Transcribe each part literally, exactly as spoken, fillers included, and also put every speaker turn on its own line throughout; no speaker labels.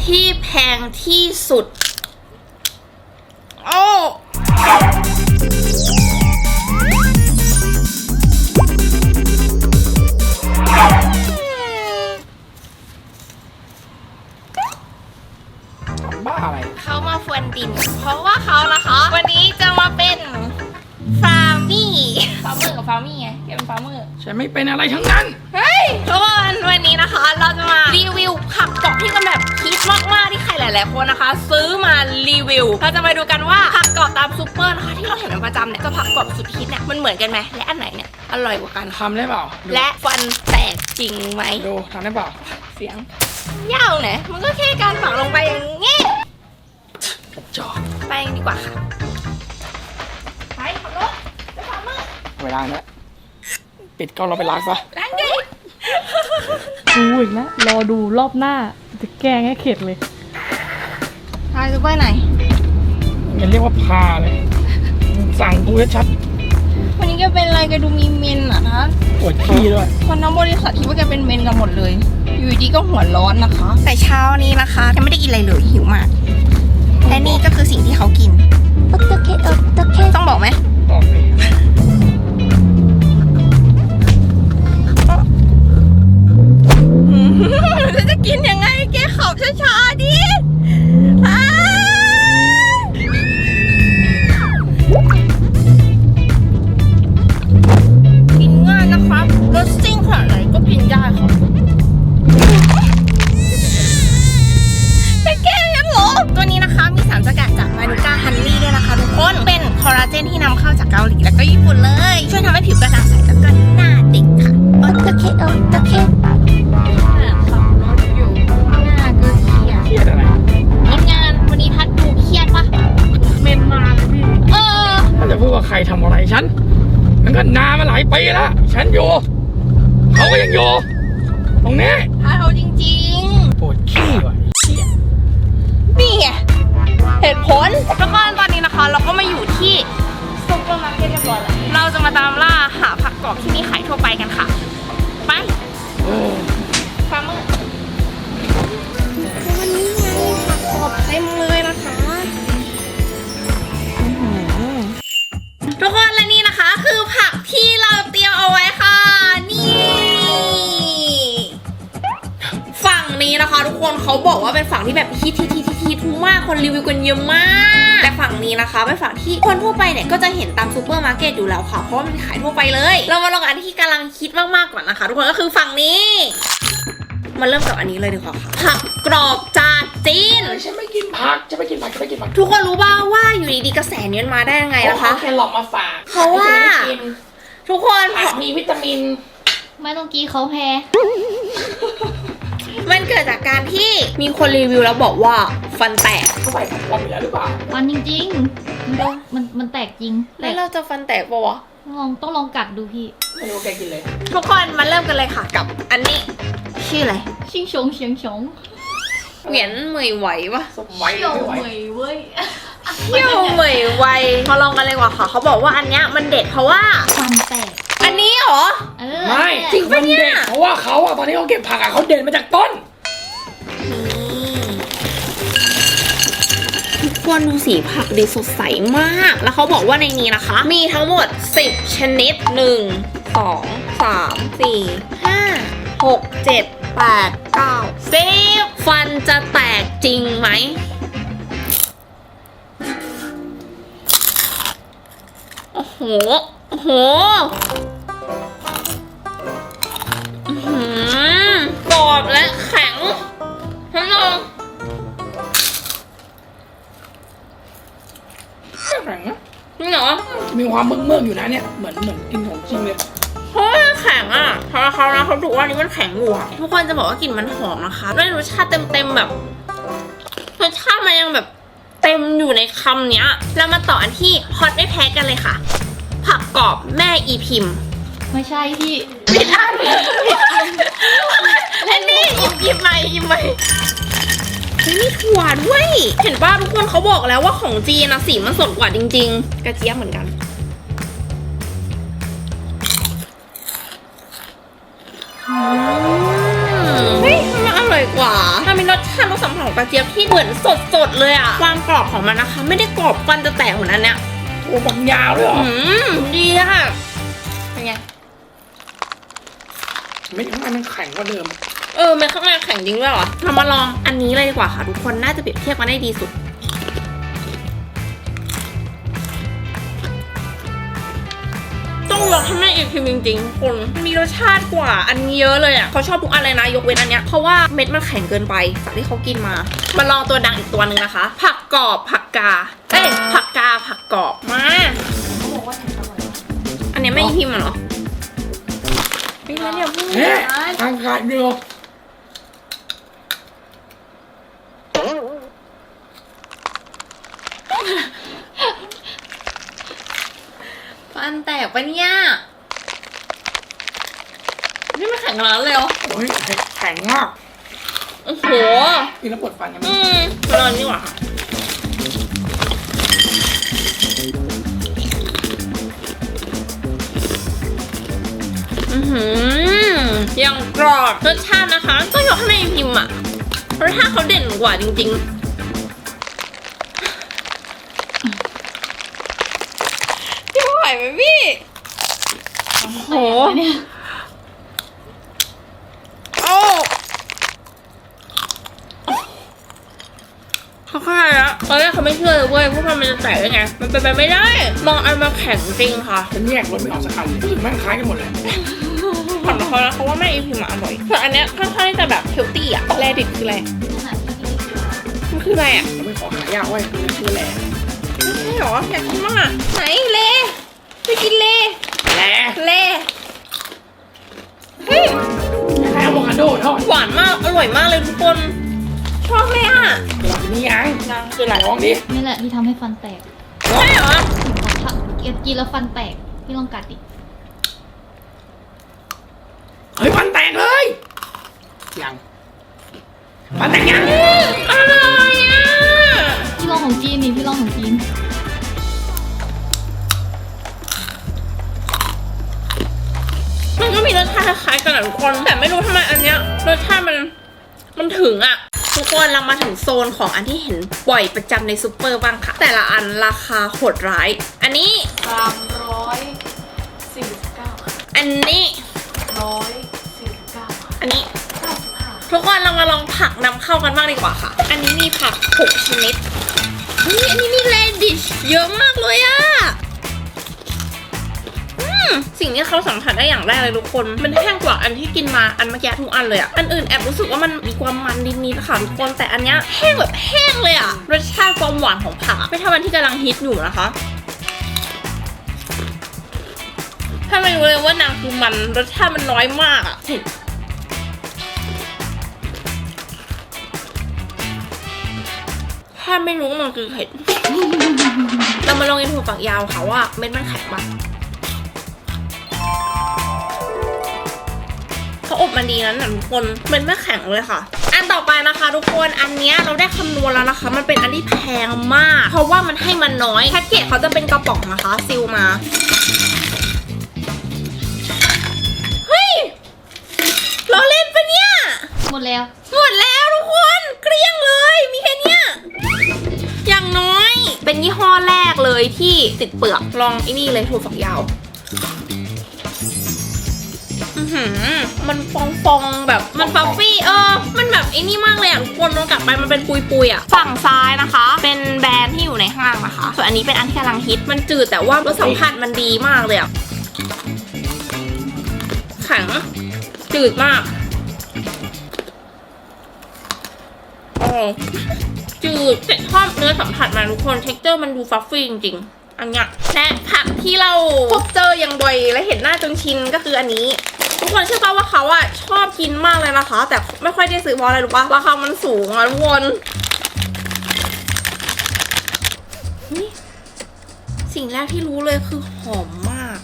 ที่แพงที่สุดโอ้
บ้าอะไร
เขามาฟวนดินเพราะว่าเขานะคะวันนี้จะมาเป็นฟาร์มี่ฟาร์มเมอร์กับฟาร์มี่ไงแกเป็นฟาร์มเมอร์
ฉันไม่เป็นอะไรทั้งนั้น
เฮ้ยทุกคนวันนี้นะคะเราจะมารีวิวผักกรอบที่กันแบบฮิตมากๆที่ใครหลายๆคนนะคะซื้อมารีวิวเราจะมาดูกันว่าผักกรอบตามซูเปอร์นะคะที่เราเห็นเป็นประจำเนี่ยกับผักกรอบสุดฮิตเนี่ยมันเหมือนกันไหมและอันไหนเนี่ยอร่อยกว่ากัน
ทำได้เปล่า
และฟันแตกจริงไหม
ดูทำได้เปล่า
เสียงยาวเนี่ยมันก็แค่การฝังลงไปอย่างงี้
จอ
ไปดีกว่าค่ะไปขับรถไปฟาร์มเมอร์
เวลาแล้วปิดก็เราไปล้างซะ
ล้างดิ
ดูอีกนะรอดูรอบหน้าจะแกล้งให้เข็ดเลย
พาซูเปอร์ไหน
อย่าเรียกว่าพาเลยสั่งกูชัด
วันนี้แกเป็นอะไรแกดูมีเมนอ่ะนะ
ปวดขี้ด้วย
คนทั้งบริษัทคิดว่าแกเป็นเมนกันหมดเลยอยู่ดีก็หัวร้อนนะคะแต่เช้านี้นะคะแกไม่ได้กินอะไรเลยหิวมากและนี่ก็คือสิ่งที่เขากินโอเคโอเคต้องบอกไหม
บอกเลย
จะกินยังไงแกขับช้าๆดิกินง่ายนะครับรสซิ่งขนาดไหนก็กินได้ครับจะแก้ยังเหรอตัวนี้นะคะมีสารสกัดจากมานูก้าฮันนี่ด้วยนะคะทุกคนเป็นคอลลาเจนที่นำเข้าจากเกาหลีแล้วก็ญี่ปุ่นเลยช่วยทำให้ผิวกระจ่างใสแล้วก็หน้าเด็กค่ะโอเคโอเค
เครียดอะไร
งานวันนี้พัดดูเครียดปะ
เมนมาเลยพี่
เออ
ถ้าจะพูดว่าใครทำอะไรฉันมันก็นานมาหลายปีแล้วฉันอยู่เขาก็ยังอยู่ตรงนี้
พัดเอาจริง
ๆปวดขี้ว่ะ
นี่ไงเหตุผลแล้วก็ตอนนี้นะคะเราก็มาอยู่ที่ซุปเปอร์มาร์เก็ตเรียบร้อยแล้วเราจะมาตามล่าหาผักกรอบที่มีขายทั่วไปกันค่ะไปฟาร์มเมอร์วันนี้ไงผักกรอบเต็มเลยนะคะทุกคนและนี่นะคะคือผักที่เราเตรียมเอาไว้ค่ะนี่ฝั่งนี้นะคะทุกคนเขาบอกว่าเป็นฝั่งที่แบบฮิตฮิตฮิตฮิตมากคนรีวิวกันเยอะมากแต่ฝั่งนี้นะคะเป็นฝั่งที่คนทั่วไปเนี่ยก็จะเห็นตามซูเปอร์มาร์เก็ตอยู่แล้วค่ะเพราะว่ามันขายทั่วไปเลยเรามาลองอันที่กำลังคิดมากๆก่อนนะคะทุกคนก็คือฝั่งนี้มาเริ่มจากอันนี้เลยดีกว่าค่ะผักกรอบจากจีน
ฉันไม่กินผักจะไม่กินผักจะไม่กินผัก
ทุกคนรู้ป่าวว่าอยู่ดีๆกระแสนี้มันมาได้ยังไงนะคะ
แค่หลอกมาฝาก
เพราะว่าทุกคน
ผักมีวิตามิน
ไม่ต้องกี้เขาแพ้
มันเกิดจากการที่มีคนรีวิวแล้วบอกว่าฟันแตก
เขาใส่ฟันอยู่แล้วหรือเปล่า
ฟันจริงๆมันมันมันแตกจริง
แล้วเราจะฟันแตกปะวะ
ลองต้องลองกัดดูพี่
ไม่รู้แกกินเลย
ทุกคนมาเริ่มกันเลยค่ะกับอันนี้ชื่ออะไร
ชิงชงเฉียงชง
เหวียนเหมยไหวปะ
ไหว
เที่ยวเหมยเว้ย
เที่ยวเหมยไหวมาลองกันเลยว่ะค่ะเขาบอกว่าอันเนี้ยมันเด็ดเพราะว่า
ฟันแตก
อันนี้เหรอ
ไม่
จริงปะเนี่ย
เพราะว่าเขาอะตอนนี้เขาเก็บผักอะเขาเด็ดมาจากต้น
ทุกคนดูสีผักดีสดใสมากแล้วเขาบอกว่าในนี้นะคะมีทั้งหมดสิบชนิดหนึ่ง สอง สาม สี่ ห้า หก เจ็ด แปด เก้า สิบฟันจะแตกจริงไหมโอ้โหโอ้โหกรอบและแข็งทั้งลง
แข็งนะ
นี่เหรอ
มีความเมือกๆอยู่นะเนี่ยเหมือนเหมือนกินของจริงเลย
เพราะแข็งอ่ะเพราะเขานะเขาดูว่านี่มันแข็งอยู่อ่ะทุกคนจะบอกว่ากลิ่นมันหอมนะคะด้วยรสชาติเต็มๆแบบรสชาติมันยังแบบเต็มอยู่ในคำเนี้ยแล้วมาต่ออันที่ฮอตไม่แพ้กันเลยค่ะผักกรอบแม่อีพิมพ์
ไม่ใช่พี่
ผิดอันอันนี้หยิบหยิบใหม่หยิบใหม่มีถั่วด้วยเห็นป่ะทุกคนเขาบอกแล้วว่าของจีนนะสีมันสดกว่าจริงๆกระเจี๊ยบเหมือนกันเฮ้ยมันอร่อยอยกว่ามันมีรสชาติรสสัมผัสของกระเจี๊ยบที่เหมือนสดๆเลยอะความกรอบของมันนะคะ ไม่ได้กรอบฟันจะแตกเหมือนอันเนี้ย
โอ้บังยาวเลยเหรอ
อืมดีค่ะเป็นไง
ไม่ทำไมมันแข็งกว่าเดิม
เออมันข้างในแข็งจริงด้วยเหรอเรามาลองอันนี้เลยดีกว่าค่ะทุกคนน่าจะเปรียบเทียบกันได้ดีสุดต้องลองให้แม่อีกทีจริงๆทุกคนมีรสชาติกว่าอันนี้เยอะเลยอ่ะเขาชอบทุกอันเลยนะยกเว้นอันเนี้ยเพราะว่าเม็ดมันแข็งเกินไปจากที่เขากินมามาลองตัวดังอีกตัวหนึ่งนะคะ ผักกรอบผักกาเอ้ยผักกาผักกรอบมาอันเนี้ยไม่พิมพ์เหรอไม่แล้วเนี่ยพูด
เฮ้ยทางขาดเดียว
ฟันแตกปะเนี่ยนี่มันแข็งขนาดนั้นเลยเหรอ
โอ้ยแข็งมาก
โอ้โห
กินแล้วปวดฟันกันไหม
อืมมาลองดีกว่าค่ะอือหือยังกรอบรสชาตินะคะก็ยกให้แม่พิมพ์อะรสชาติเขาเด่นกว่าจริงๆพี่ไหวไหมพี่โอ้โหโอ้เขาเข้าใจแล้วตอนแรกเขาไม่เชื่อเลยเว้ยพวกมันจะแตกได้ไงมันเป็นไปไม่ได้มองอันมาแข็งจริงค่ะ
ฉันแยกรสไม่ออกสักอันรู้สึกมันคล้ายกันหมดเลย
ผ่อนเขาแล้วเขาว่าแม่อีพิมอร่อยแต่อันเนี้ยค่อนข้างที่จะแบบเฮลตี้อะแรดิบคืออะไรมันคืออะไรอะ
เราไม่ขอหายากไว้คือชื่อแหล่
ไม่ใช่หรออยากกินมากอะไหนเลไปกินเล
แหล่
เลเฮ้ย
คล้ายอะโวคาโดทอด
หวานมากอร่อยมากเลยทุกคนชอบเลยอะ
เดี๋ยวนี่ยัง
ยังคืออะไร
ลองดิ
นี่แหละที่ทำให้ฟันแตก
ใช่เหรอ
ถ้ากินแล้วฟันแตกพี่ลองกัดดิ
เฮ้ยฟันแตกเลยยังฟันแตกยัง
อืมอร่อยอะ
พี่ลองของจีนนี่พี่ลองของจีน
มันก็มีรสชาติคล้ายๆกันอะทุกคนแต่ไม่รู้ทำไมอันเนี้ยรสชาติมันมันถึงอะทุกคนเรามาถึงโซนของอันที่เห็นบ่อยประจำในซูเปอร์บ้างค่ะ แต่ละอันราคาโหดร้าย อันนี้
สามร้อยสี่สิบเก้า
อันนี้
ร้อยสี่สิบเก้า
อันนี้
เก้าสิบห้า
ทุกคนเรามาลองผักนำเข้ากันบ้างดีกว่าค่ะ อันนี้มีผักหกชนิดเฮ้ยอันนี้มีเรดิชเยอะมากเลยอะอืมสิ่งที่เขาสัมผัสได้อย่างแรกเลยทุกคน มันแห้งกว่าอันที่กินมาอันเมื่อกี้ทุกอันเลยอะอันอื่นแอบรู้สึกว่ามันมีความมันนิดๆค่ะทุกคน แต่อันเนี้ยแห้งแบบแห้งเลยอะรสชาติความหวานของผักอะไม่เท่าอันที่กำลังฮิตอยู่นะคะ ถ้าไม่รู้เลยว่านางคือมันรสชาติมันน้อยมากอะเห็นถ้าไม่รู้มันคือเห็ด เรามาลองกินถั่วฝักยาวค่ะว่าเม็ดมันแข็งปะเขาอบมันดีนั้นนะทุกคนเม็ดไม่แข็งเลยค่ะ อันต่อไปนะคะทุกคนอันเนี้ยเราได้คำนวณแล้วนะคะ มันเป็นอันที่แพงมาก เพราะว่ามันให้มันน้อยแพ็กเกจเขาจะเป็นกระป๋องนะคะซิลมาเฮ้ยล้อเล่นปะเนี่ย
หมดแล้ว
หมดแล้วทุกคนเกลี้ยงเลยมีแค่เนี้ยอย่างน้อยเป็นยี่ห้อแรกเลยที่ติดเปลือกลองไอ้นี่เลยถั่วฝักยาวอือหือมันฟองฟองๆแบบมันฟัฟฟี่เออมันแบบไอ้นี่มากเลยอ่ะทุกคนลองกลับไปมันเป็นปุยปุยๆอ่ะฝั่งซ้ายนะคะ เป็นแบรนด์ที่อยู่ในห้างนะคะส่วนอันนี้เป็นอันที่กำลังฮิตมันจืดแต่ว่ารสสัมผัสมันดีมากเลยอ่ะแข็งจืดมากโอ้จืดแต่ชอบเนื้อสัมผัสมาทุกคนเท็กเจอร์มันดูฟัฟฟี่จริงๆอันเนี้ยและผักที่เราพบเจออย่างบ่อยและเห็นหน้าจนชินก็คืออันนี้ทุกคนเชื่อป่ะว่าเขาอะชอบกินมากเลยนะคะ แต่ไม่ค่อยได้ซื้อเพราะอะไรรู้ป่ะราคามันสูงอะทุกคนนี่สิ่งแรกที่รู้เลยคือหอมมาก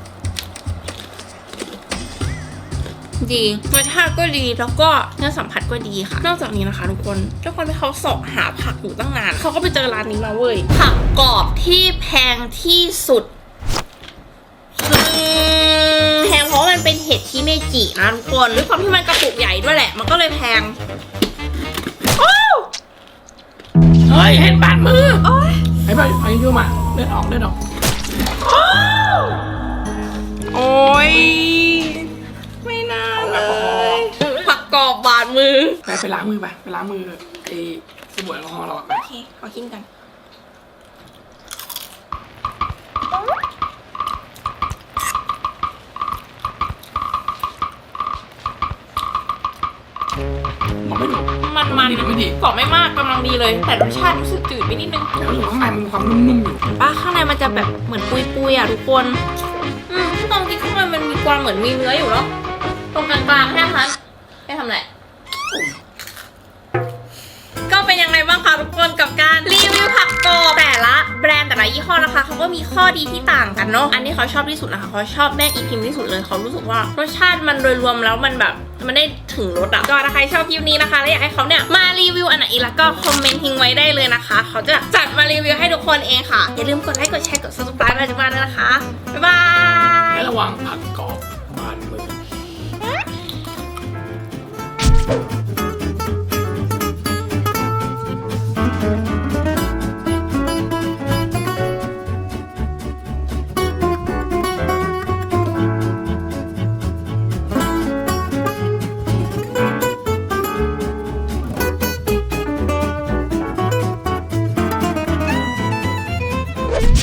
ดีรสชาติก็ดีแล้วก็เนื้อสัมผัสก็ดีค่ะนอกจากนี้นะคะทุกคนทุกคนที่เขาเสาะหาผักอยู่ตั้งนานเขาก็ไปเจอร้านนี้มาเว้ยผักกรอบที่แพงที่สุดแพงเพราะมันมันเป็นเห็ดชิเมจินะทุกคนด้วยความที่มันกระปุกใหญ่ด้วยแหละมันก็เลยแพงโอ้
เฮ้ยเห็นบาดมือ
โอ้ย
ไอ้ใบไอ้ยูมาเลือดออกเลือดออก
โอ้ยไม่น่าเลยผักกรอบบาดมือ
ไปไปล้างมือไปไปล้างมือไอ้สบู่แอลกอฮอล์เราอะไป
โอเคขอกินกัน
บอกไม่ถูก
มันมัน
ดีไม่ดี
กรอบไม่มากกำลังดีเลย แต่รสชาติรู้สึกจืดไปนิดนึง
แต่รู้สึกว่าข้างในมันมีความนุ่มๆอยู่
ป้าข้างในมันจะแบบเหมือนปุยๆอ่ะทุกคนอืมตรงที่ข้างในมันมีความเหมือนมีเนื้ออยู่เนาะตรงกลางๆแค่นั้นไม่ทำอะไรก็เป็นยังไงบ้างคะทุกคนกับการรีวิวผักกรอบแต่ละแบรนด์แต่ละยี่ห้อนะคะเขาก็มีข้อดีที่ต่างกันเนาะอันนี้เขาชอบที่สุดนะคะเขาชอบแม่อีพิมที่สุดเลยเขารู้สึกว่ารสชาติมันโดยรวมแล้วมันแบบมันได้ถึงรสอะก็ถ้าใครชอบคลิปนี้นะคะและอยากให้เขาเนี่ยมารีวิวอันไหนอีกแล้วก็คอมเมนต์ทิ้งไว้ได้เลยนะคะเขาจะจัดมารีวิวให้ทุกคนเองค่ะอย่าลืมกดไลค์กดแชร์กด ซับสไครบ์ มาจุ๊บมาด้วยนะคะบ๊ายบาย
และระวังผักกรอบบาดมือ